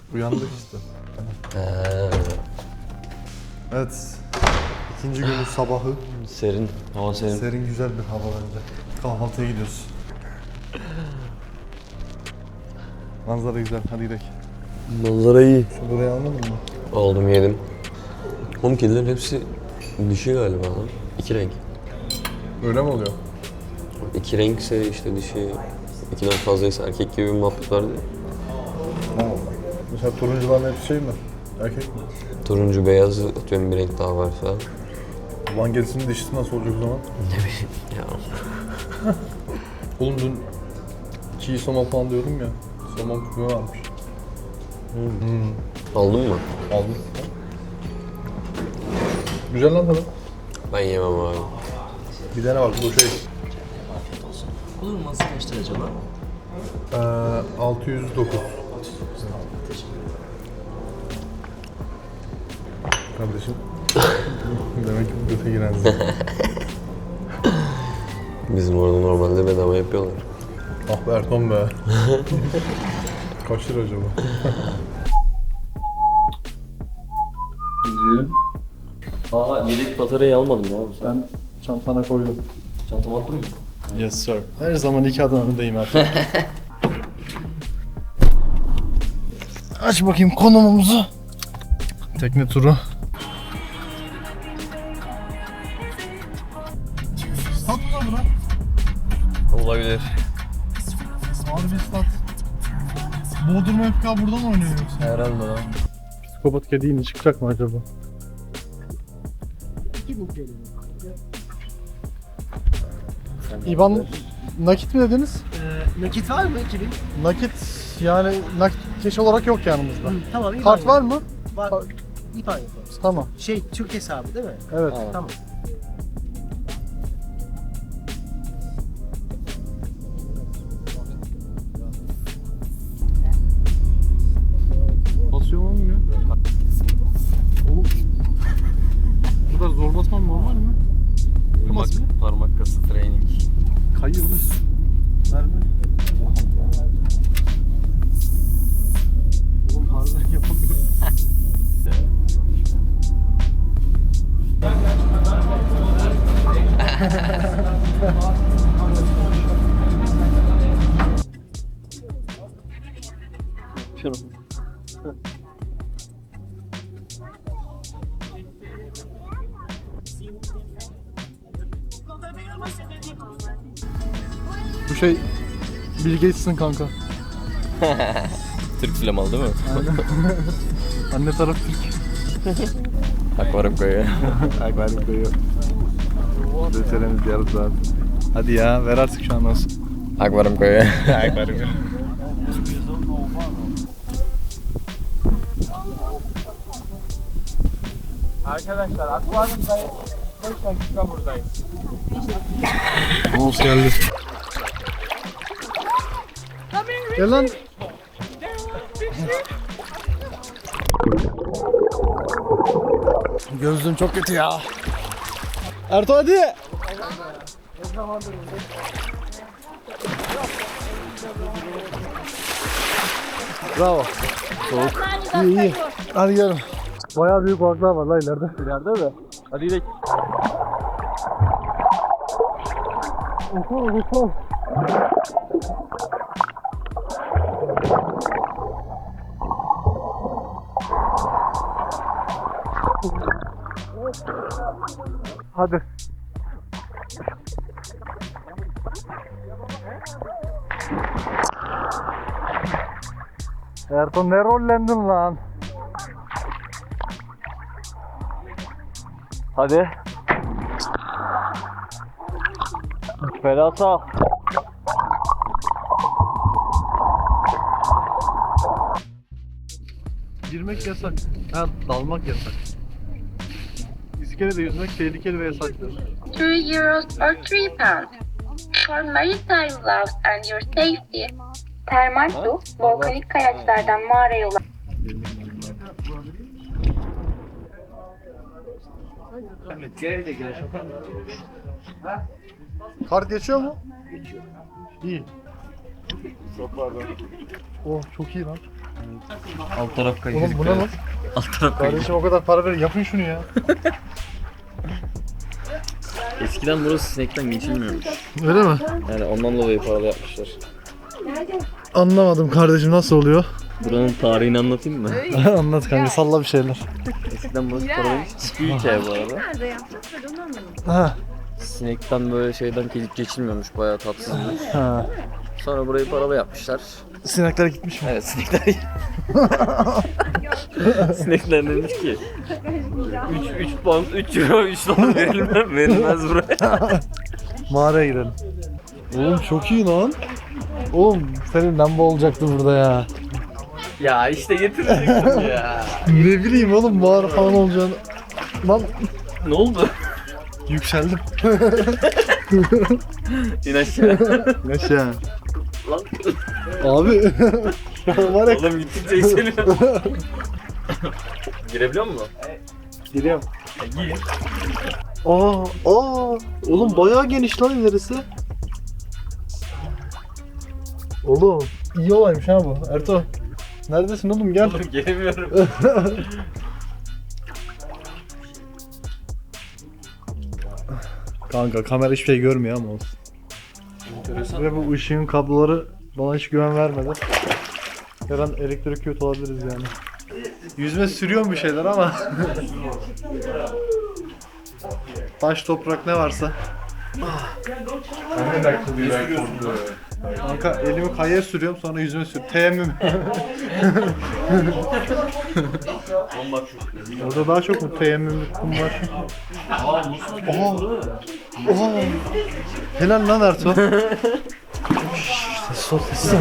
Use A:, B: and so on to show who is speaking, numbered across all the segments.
A: Uyandık işte. Evet. İkinci günün sabahı.
B: Serin, hava serin.
A: Serin güzel bir hava bence. Kahvaltıya gidiyoruz. Manzara güzel. Hadi gidelim.
B: Manzara iyi.
A: Şu burayı almadın mı?
B: Aldım yedim. Oğlum kedilerin hepsi dişi galiba lan. İki renk.
A: Öyle mi oluyor?
B: İki renkse işte dişi, ikiden fazlaysa erkek gibi bir muhabbet vardı ya.
A: Ha. Mesela turuncuların hepsi şey mi? Erkek mi?
B: Turuncu, beyaz, atıyorum bir renk daha var falan.
A: Ulan gerisinin dişisi nasıl olacak o zaman?
B: Ne bileyim ya.
A: Oğlum dün çiğ somon falan diyordum ya. Somon küpüme varmış.
B: Aldın mı?
A: Aldım. Güzel lan tadı.
B: Ben yemem abi.
A: Bir tane var bu şey.
C: Olur mu? Nasıl kaçtır acaba?
A: 609. Kardeşim. Demek ki bu göte giren
B: Bizim orada normalde bedava yapıyorlar.
A: Ah be Erton be. Kaç lira acaba?
B: Aa, yedek bataryayı almadım ya.
A: Ben çantana koydum.
B: Çantama attın mı?
A: Yes sir. Her zaman iki adım önündeyim Erton. Aç bakayım konumumuzu. Tekne turu. Stat mı bura?
B: Olabilir.
A: Harbi stat. Bodrum FK buradan oynuyor yoksa?
B: Herhalde lan.
A: Psikopat kedi yine çıkacak mı acaba? İban nakit mi dediniz?
C: Nakit var mı 2000?
A: Nakit yani nakit keş olarak yok yanımızda.
C: Tamam. İban
A: Kart var
C: yapalım.
A: mı?
C: Var. İban yapalım.
A: Tamam.
C: Türk hesabı değil mi?
A: Evet.
C: Tamam.
A: Basıyor mu olmuyor? Oğlum. Bu kadar zor basmam normal mi?
B: Parmak kası training.
A: Kayıyor mu? Nerede? Oğlum harbiden yapamıyorum.
B: Şunu.
A: Bu şey Bill Gates'in kanka.
B: Türk flamalı değil mi?
A: Anne taraf Türk.
B: Akvaryum koyuyor.
A: Akvaryum koyuyor. Desenemiz yarım saat. Hadi ya ver artık şu an olsun.
B: Akvaryum koyuyor.
A: Akvaryum.
D: Arkadaşlar akvaryumdayız. 5 dakika buradayız.
A: Mouse geldi. Gel lan. Gözlüğüm çok kötü ya. Ertuğ hadi. Bravo. Soğuk. İyi iyi. Hadi gelin. Bayağı büyük balıklar var la ileride. İleride mi? Hadi gidelim. Oho. Hadi. Erton ne rollendin lan?
B: Hadi. Felasa.
A: Girmek yasak. Ha, dalmak yasak. İskelede yüzmek tehlikeli ve yasaktır.
E: 3 euros or 3 pounds. For maritime gloves and your safety. Termal su, volkanik kayaçlardan mağaraya ulaşan
A: Kart geçiyor mu? Geçiyor. İyi. Oh çok iyi lan.
B: Alt taraf kayıyor.
A: Oğlum bu ne lan?
B: Alt taraf kayıyor.
A: Kardeşim o kadar para verin yapın şunu ya.
B: Eskiden burası sinekten geçilmiyormuş.
A: Öyle mi?
B: Yani ondan dolayı paralı yapmışlar.
A: Anlamadım kardeşim nasıl oluyor?
B: Buranın tarihini anlatayım mı?
A: Anlat kanka salla bir şeyler.
B: Eskiden burası paralıymış. Ciddi hikaye bu arada.
F: Nerede yaptık? Ben onu anlamadım.
A: Ha.
B: Sinekten böyle şeyden gelip geçilmiyormuş. Bayağı tatsızmış.
A: Ha.
B: Sonra burayı paralı yapmışlar.
A: Sinekler gitmiş mi?
B: Evet sinekler. Sinekler demiş ki 3 pound 3 euro 3 dolar verilmez buraya.
A: Mağaraya girelim. Oğlum çok iyi lan. Oğlum senin lamba olacaktı burada ya.
B: Ya işte getirecektim ya.
A: Ne bileyim oğlum mağara falan olacağını. Lan
B: Ne oldu?
A: yükseldim.
B: İn aşağı.
A: Aşağı.
B: Lan.
A: Abi. Var ya.
B: Oğlum gittikçe yükseliyor. Girebiliyor musun?
A: Giriyorum.
B: Gir.
A: Oğlum bayağı geniş lan ilerisi. Oğlum iyi olaymış ha bu. Erto. Neredesin oğlum gel.
B: Oğlum giremiyorum.
A: Kanka kamera hiçbir şey görmüyor ama olsun. Ve bu ışığın kabloları bana hiç güven vermedi. Her an elektrik kötü olabiliriz yani. Yüzme sürüyorum bir şeyler ama. Taş toprak ne varsa. Kanka elimi kayaya sürüyorum sonra yüzüme sürüyorum. Teyemmüm. Orada daha çok mu teyemmümlük kum var? Oha. Helal lan Ertuğ. Sol ses.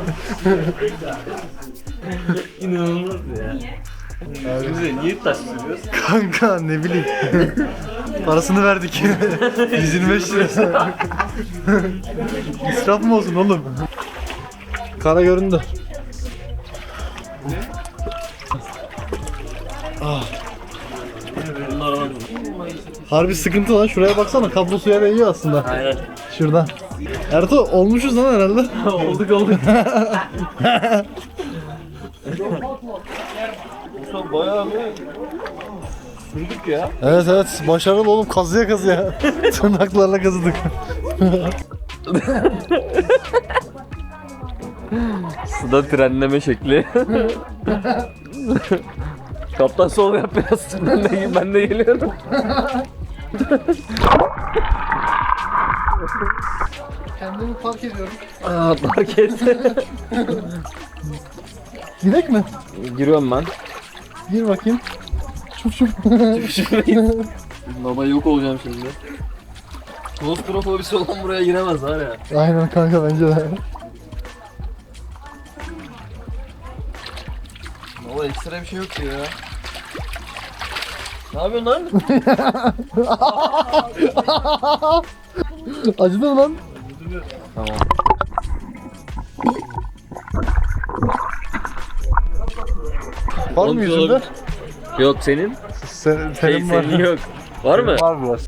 B: İnanılmaz ya. Bize niye taş sürüyoruz?
A: Kanka ne bileyim. Parasını verdik. 125 lira. İsraf mı olsun oğlum? Kara göründü. Harbi sıkıntı lan. Şuraya baksana. Kablo suya değiyor aslında.
B: Aynen.
A: Şuradan. Ertuğ olmuşuz lan herhalde.
B: olduk. Bayağı bir sürdük ya.
A: Evet başarılı oğlum kazıya kazıya. Tırnaklarla kazıdık.
B: Suda trenleme şekli. Kaptan sol yap biraz. Ben de geliyorum.
A: Kendimi fark ediyorum.
B: Aa, fark et.
A: Gidek mi?
B: Giriyorum ben.
A: Gir bakayım. Çuf.
B: Baba yok olacağım şimdi. Klostrofobisi olan buraya giremez var ya.
A: Aynen kanka bence de.
B: Baba ekstra bir şey yok ki ya. Ne yapıyorsun lan?
A: Acıdı mı lan?
B: Tamam.
A: Var mı yüzünde?
B: Yok senin.
A: Senin var.
B: Senin yok. Var mı?
A: Var biraz.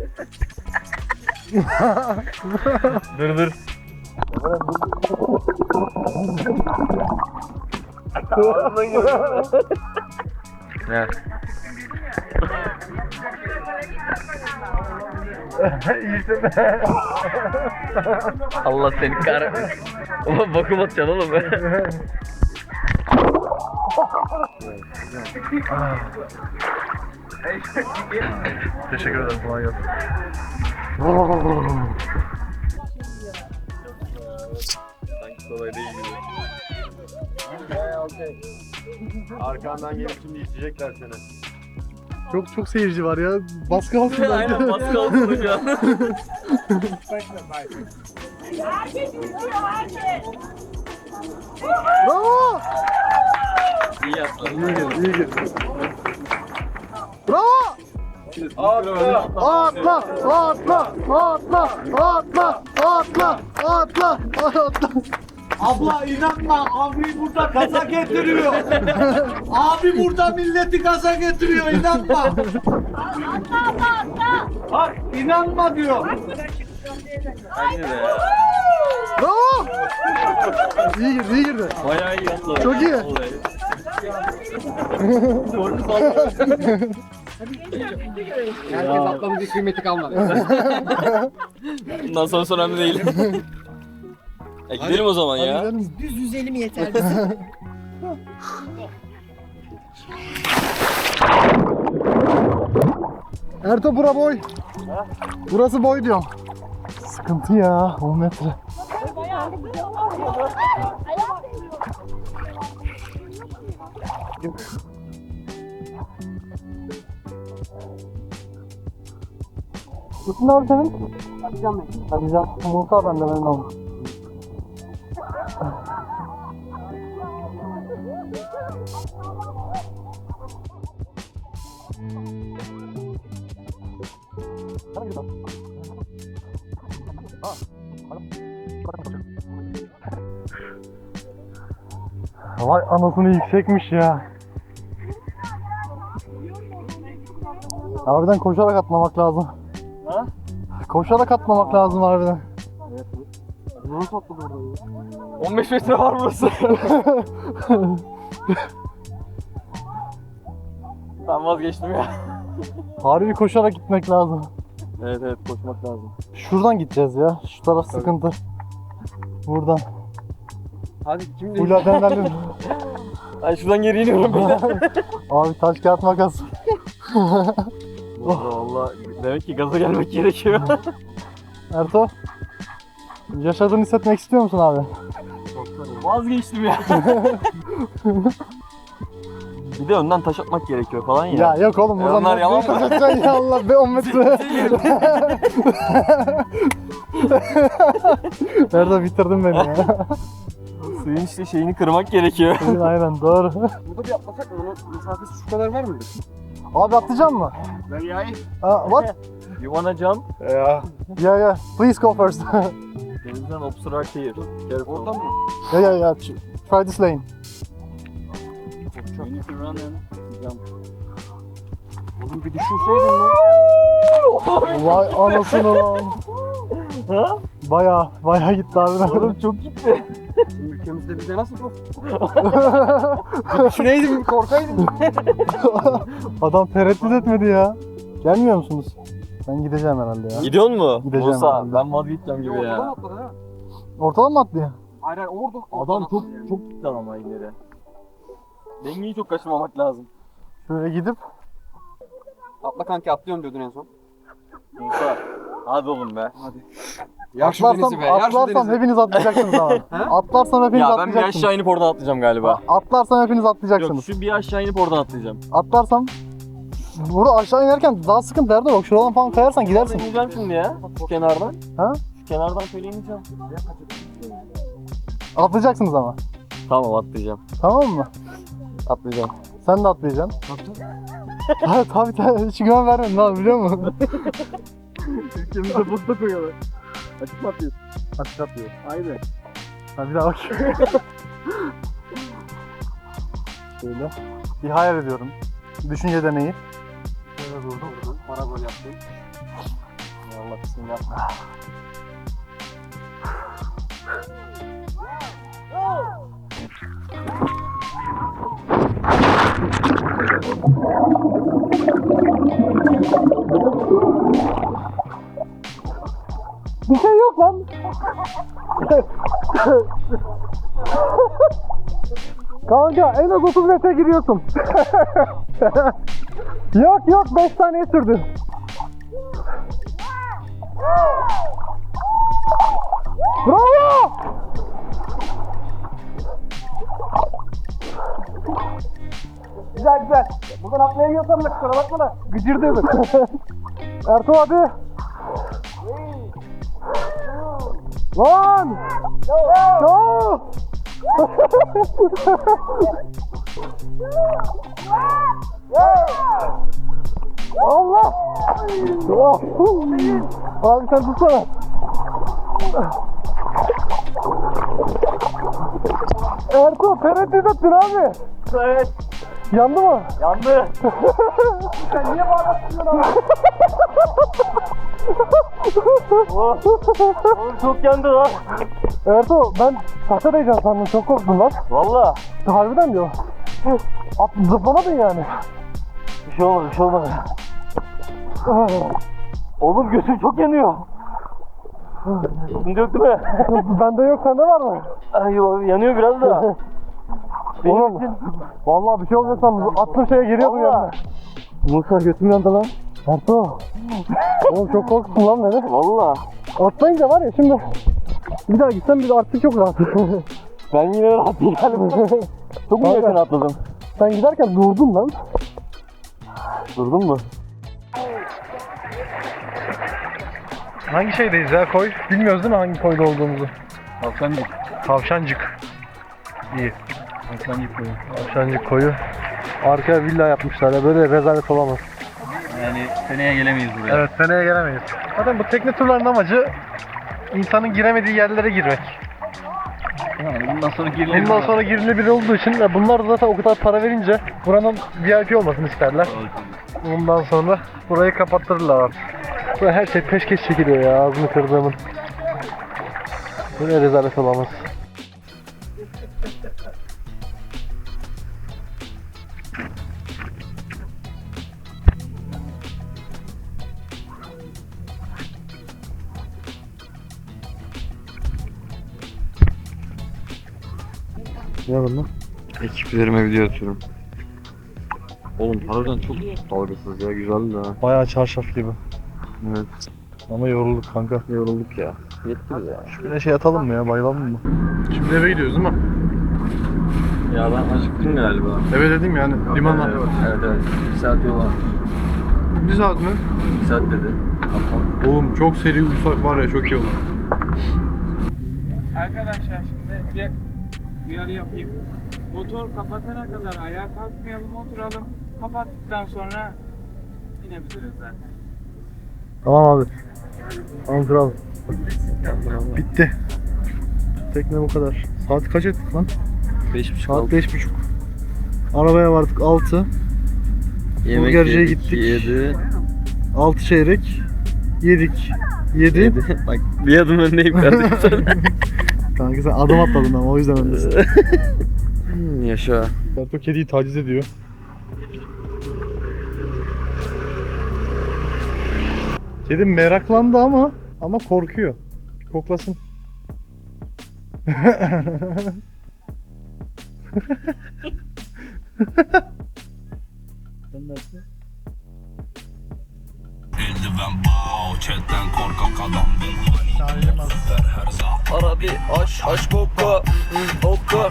B: Dur. Ne? Allah seni kahretmesin. Ulan bakım atacaksın oğlum.
A: Teşekkür ederim. Kolay gelsin.
B: Sanki kolay değil gibi.
D: Arkandan gelip şimdi isteyecekler seni.
A: Çok seyirci var ya. Baskı altında.
B: Aynen baskı altında şu an.
A: Bravo!
B: İyi yaptın.
A: İyi gir. Bravo! Atla!
C: Abla inanma, abi burada gaza getiriyor. Abi burada milleti gaza getiriyor, inanma. Bak inanma diyor.
B: Bence de ya.
A: Bravo! İyi girdi, iyi girdi.
B: Bayağı iyi atladı.
A: Çok iyi.
B: Vallahi. Korku saldı.
C: Herkes atlamayacak kıymeti kalmadı.
B: Bundan sonra önemli değil. Gidelim o zaman
A: Hadi
B: ya.
A: gidelim.
F: Düz yüzelim yeter.
A: Erto bura boy. Burası boy diyorum. Sıkıntı ya 10 metre. Tutun abi senin.
C: Atacağım ben.
A: Hadi can. Musa bende benim oğlum. Vay anasını yüksekmiş ya. Harbiden koşarak atlamak lazım.
B: Ha?
A: Koşarak atlamak lazım harbiden.
C: Nasıl atladı orada ya?
B: 15 metre var burası. Ben vazgeçtim ya.
A: Harbi koşarak gitmek lazım.
B: Evet evet koşmak lazım.
A: Şuradan gideceğiz ya. Şu taraf sıkıntı. Buradan.
C: Hadi kim
A: Full adrenalin.
B: Ben şuradan geri iniyorum.
A: Abi taş kağıt makas.
B: Valla demek ki gaza gelmek gerekiyor.
A: Erto. Yaşadığını hissetmek istiyor musun abi?
B: Vazgeçtim ya. Bir de önden taş atmak gerekiyor falan ya.
A: Ya yok oğlum buradan
B: onlar yalan mı?
A: taş atacaksın ya Allah be 10 metre. Erto bitirdin beni ya.
B: Suyun işte şeyini kırmak gerekiyor.
A: Aynen doğru.
C: Burada bir atlasak mı? Onun mesafesi şu kadar var mıdır?
A: Abi atlayacak mısın?
C: Ben yay.
A: What?
B: You wanna jump?
A: Yeah. Please go first.
B: Denizden obstruct here. Careful.
C: Oradan mı?
A: yeah. Try this lane.
B: You need to run and jump.
C: Oğlum bir düşünseydin lan.
A: Vay anasını lan.
B: Ha?
A: Baya gitti abi.
B: Oğlum çok gitti.
C: Bizim ülkemizde bize nasıl bu? Düşüneydim, korkaydım.
A: Adam tereddüt etmedi ya. Gelmiyor musunuz? Ben gideceğim herhalde ya.
B: Gidiyor mu?
A: Gideceğim
B: Musa
A: herhalde.
B: ben vazgeçeceğim gibi
C: Oradan
B: ya.
C: atladı ha.
A: Ortadan mı atlıyor?
C: Hayır hayır orada.
B: Adam çok gitti ama ileri. Dengeyi çok kaçırmamak lazım.
A: Şöyle gidip
C: Atla kanki atlıyorum diyordun en son.
B: Musa hadi oğlum be.
C: Hadi. Yar şu denizi be. Yar şu
A: atlarsam
C: denizi.
A: hepiniz atlayacaksınız ama. Atlarsam hepiniz
B: Ya ben bir
A: atlayacaksınız.
B: aşağı inip oradan atlayacağım galiba.
A: Atlarsam hepiniz
B: Yok
A: atlayacaksınız.
B: şu bir aşağı inip oradan atlayacağım.
A: Atlarsam burada aşağı inerken daha sıkıntı nerede bak şuradan falan kayarsan gidersin.
B: Ben ineceğim şimdi ya. Şu kenardan.
A: Ha?
B: Şu kenardan şöyle ineceğim.
A: Atlayacaksınız ama.
B: Tamam atlayacağım.
A: Tamam mı?
B: Atlayacağım.
A: Sen de atlayacaksın. Tabii hiç güven vermedin abi biliyor musun?
B: Ülkemizde buzda koyuyorlar. Açık mı atıyorsun?
A: Açık atlıyor.
B: Aynen.
A: Ha bir daha bak. Şöyle. Bir hayal ediyorum. Düşünce deneyi. Şöyle durdum.
C: Bana gol yaptın.
B: Allah bismillah.
A: Bir şey yok lan. Kanka en az 30 metre giriyorsun. yok 5 saniye sürdü. Bravo! Güzel. Buradan atlayamıyorsam da kusura bakma da gıcırdıyorduk. Ertuğ hadi. Lan! Go! Allah! Abi sen tutsana. Ertuğ tereddüt ettin abi.
B: Evet.
A: Yandı mı?
B: Yandı.
A: Sen niye bağırıyorsun abi?
B: Oğlum çok yandı lan.
A: Ertuğ ben tahta değeceğim sandım, çok korktum lan.
B: Valla.
A: Harbiden diyor. Zıplamadın yani.
B: Bir şey olmadı, bir şey olmadı. Oğlum gözüm çok yanıyor. Şimdi yok değil mi?
A: Bende yok, sende var mı?
B: Ay yanıyor biraz da.
A: Oğlum vallahi bir şey olmuyor sandım. Attığım şeye giriyordum yanına.
B: Musa götüm yandı lan.
A: Ertuğ. Oğlum çok korktun lan beni.
B: Valla.
A: Atlayınca var ya şimdi. Bir daha gitsem bir de artık çok rahat.
B: Ben yine rahat değilim. Çok mu yakın atladım?
A: Sen giderken durdun lan.
B: Durdun mu?
A: Hangi şeydeyiz ya, koy? Bilmiyoruz değil mi hangi koyda olduğumuzu?
B: Tavşancık.
A: Tavşancık. İyi.
B: Tavşancık koyu.
A: Tavşancık koyu. Arkaya villa yapmışlar ya, böyle rezalet olamaz.
B: Yani seneye gelemeyiz buraya.
A: Evet, seneye gelemeyiz. Zaten bu tekne turlarının amacı insanın giremediği yerlere girmek.
B: Yani bundan sonra girilebilir.
A: Bundan sonra girilebilir olduğu için bunlar da zaten o kadar para verince buranın VIP olmasını isterler. Bundan sonra burayı kapattırırlar artık. Böyle her şey peşkeş çekiliyor ya, ağzını kırdığımın. Böyle rezalet olamaz. Ne var lan?
D: Ekiplerime video atıyorum. Oğlum harbiden çok dalgasız ya, güzeldi ha.
A: Bayağı çarşaf gibi.
D: Evet.
A: Ama yorulduk kanka.
D: Yorulduk ya. Yetti bize ya.
A: Şu güneşe yatalım mı ya, bayılalım mı? Şimdi eve gidiyoruz değil mi?
B: Ya ben acıktım galiba.
A: Eve dedim yani, limana.
B: Evet evet. 1 saat yol var.
A: 1 saat mi?
B: 1 saat dedi.
A: Oğlum çok seri uyusak var ya, çok iyi olur.
F: Arkadaşlar şimdi bir uyarı yapayım. Motor kapatana kadar ayağa kalkmayalım, oturalım. Kapattıktan sonra inebiliriz zaten.
A: Tamam abi. Tamam kral. Bitti. Tekne bu kadar. Saat kaç ettik lan?
B: 5.30
A: Saat 5.30. Arabaya vardık 6. Burgerciye gittik.
B: 7.
A: 6 çeyrek. Yedik. 7.
B: Bak bir adım öndeyim kardeşim.
A: Kanka sen adım atladın ama o yüzden öndesin.
B: Yaşa.
A: Berto kediyi taciz ediyor. Kedi meraklandı ama korkuyor. Koklasın.
B: Arabi aş bokka. Bokka.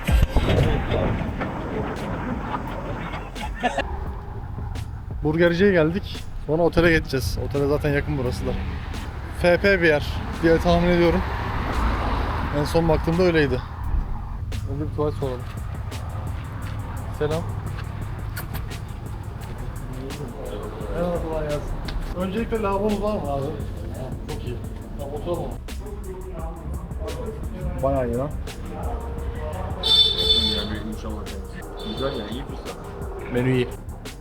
A: Burgerciye geldik. Sonra otele geçeceğiz. Otele zaten yakın burası da. FP bir yer diye tahmin ediyorum. En son baktığımda öyleydi. Önce bir tuvalet soralım. Selam. Merhaba, kolay gelsin. Öncelikle lavabomuz var mı abi? Çok iyi. Tamam, oturalım. Bayağı iyi lan.
B: Güzel yani iyi fırsat.
A: Menü iyi.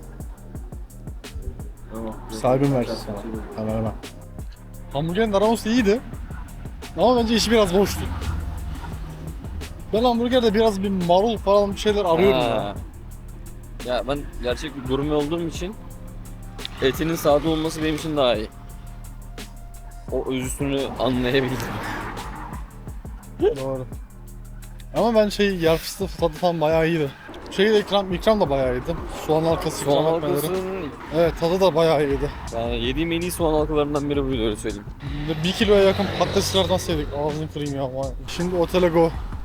B: Tamam.
A: Sahibim versin sana. Hemen hemen. Hamburgerin aroması iyiydi. Ama bence işi biraz boştu. Ben hamburgerde biraz bir marul falan bir şeyler arıyorum ya.
B: Ya ben gerçek bir gurme olduğum için etinin sade olması benim için daha iyi. O özüsünü anlayabildim.
A: Doğru. Ama ben yer fıstığı tadı falan bayağı iyiydi. De ikram da bayağı iyiydi. Soğan halkası
B: Soğan
A: ikram etmeleri.
B: halkasının
A: Evet, tadı da bayağı iyiydi.
B: yani yediğim en iyi soğan halkalarından biri buydu, öyle söyleyeyim.
A: 1 kiloya yakın patateslerden sevdik. Ağzını kırayım ya. Şimdi otele go.